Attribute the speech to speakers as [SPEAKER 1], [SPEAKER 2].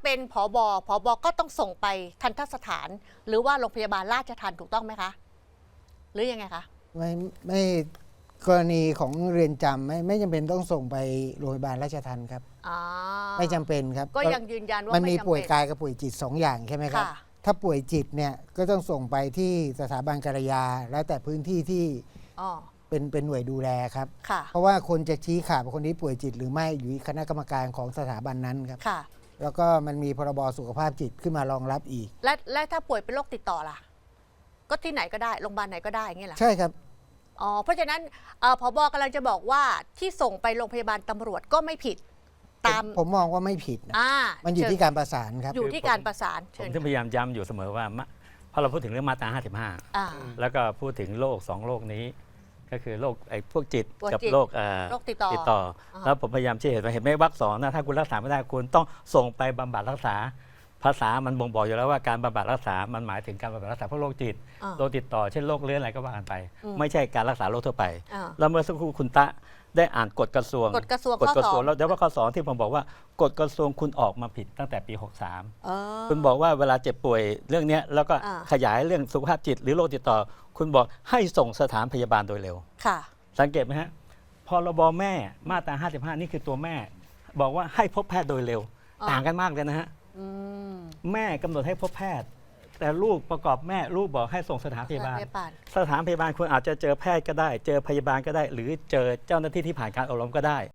[SPEAKER 1] เป็นผบก็ต้องส่งไปทันตสถาน หรือว่าโรงพยาบาลราชทัณฑ์ถูกต้องไหมคะ หรือยังไงคะ
[SPEAKER 2] ไม่กรณีของเรือนจำไม่จำเป็นต้องส่งไปโรงพยาบาลราชทัณฑ์ครับไม่จำเป็นครับ
[SPEAKER 1] ก็ยังยืนยันว่า
[SPEAKER 2] มันมีป่วยกายกับป่วยจิต2 อย่างใช่ไหมครับถ้าป่วยจิตเนี่ยก็ต้องส่งไปที่สถาบันกัลยาแล้วแต่พื้นที่ที่เป็นหน่วยดูแลครับเพราะว่าคนจะชี้ขาดว่าคนนี้ป่วยจิตหรือไม่อยู่ที่คณะกรรมการของสถาบันนั้นครับแล้วก็มันมีพรบสุขภาพจิตขึ้นมารองรับอีก
[SPEAKER 1] และถ้าป่วยเป็นโรคติดต่อล่ะก็ที่ไหนก็ได้โรงพยาบาลไหนก็ได้อย่างเงี้ยเหรอ
[SPEAKER 2] ใช่ครับ
[SPEAKER 1] เพราะฉะนั้นผบ.กำลังจะบอกว่าที่ส่งไปโรงพยาบาลตำรวจก็ไม่ผิดตาม
[SPEAKER 2] ผมมองว่าไม่ผิดนะมันอยู่ที่การประสานครับ
[SPEAKER 1] อยู่ที่การประสาน
[SPEAKER 3] ผมพยายามย้ำอยู่เสมอว่าพอเราพูดถึงเรื่องมาตรา55แล้วก็พูดถึงโรค2โรคนี้ก็คือโรคพวกจิตกับโรค
[SPEAKER 1] ติดต่อ
[SPEAKER 3] แล้วผมพยายามชี้เห็นไหมวรรค 2นะถ้าคุณรักษาไม่ได้คุณต้องส่งไปบำบัดรักษาภาษามันบ่งบอกอยู่แล้วว่าการบำบัดรักษามันหมายถึงการบำบัดรักษาพวกโรคจิตโรคติดต่อเช่นโรคเรื้อนอะไรก็ว่ากันไปไม่ใช่การรักษาโรคทั่วไปแล้วเมื่อสักครู่คุณตะได้อ่านกฎกระทรวงแล้วเดี๋ยวว่าข้อ2ที่ผมบอกว่ากฎกระทรวงคุณออกมาผิดตั้งแต่ปี63คุณบอกว่าเวลาเจ็บป่วยเรื่องนี้แล้วก็ขยายเรื่องสุขภาพจิตหรือโรคติดต่อคุณบอกให้ส่งสถานพยาบาลโดยเร็วสังเกตไหมฮะพรบแม่มาตรา55นี่คือตัวแม่บอกว่าให้พบแพทย์โดยเร็วต่างกันมากเลยนะฮะแม่กำหนดให้พบแพทย์แต่ลูกประกอบแม่ลูกบอกให้ส่งสถานพยาบาลสถานพยาบาลคุณอาจจะเจอแพทย์ก็ได้เจอพยาบาลก็ได้หรือเจอเจ้าหน้าที่ที่ผ่านการอบรมก็ได้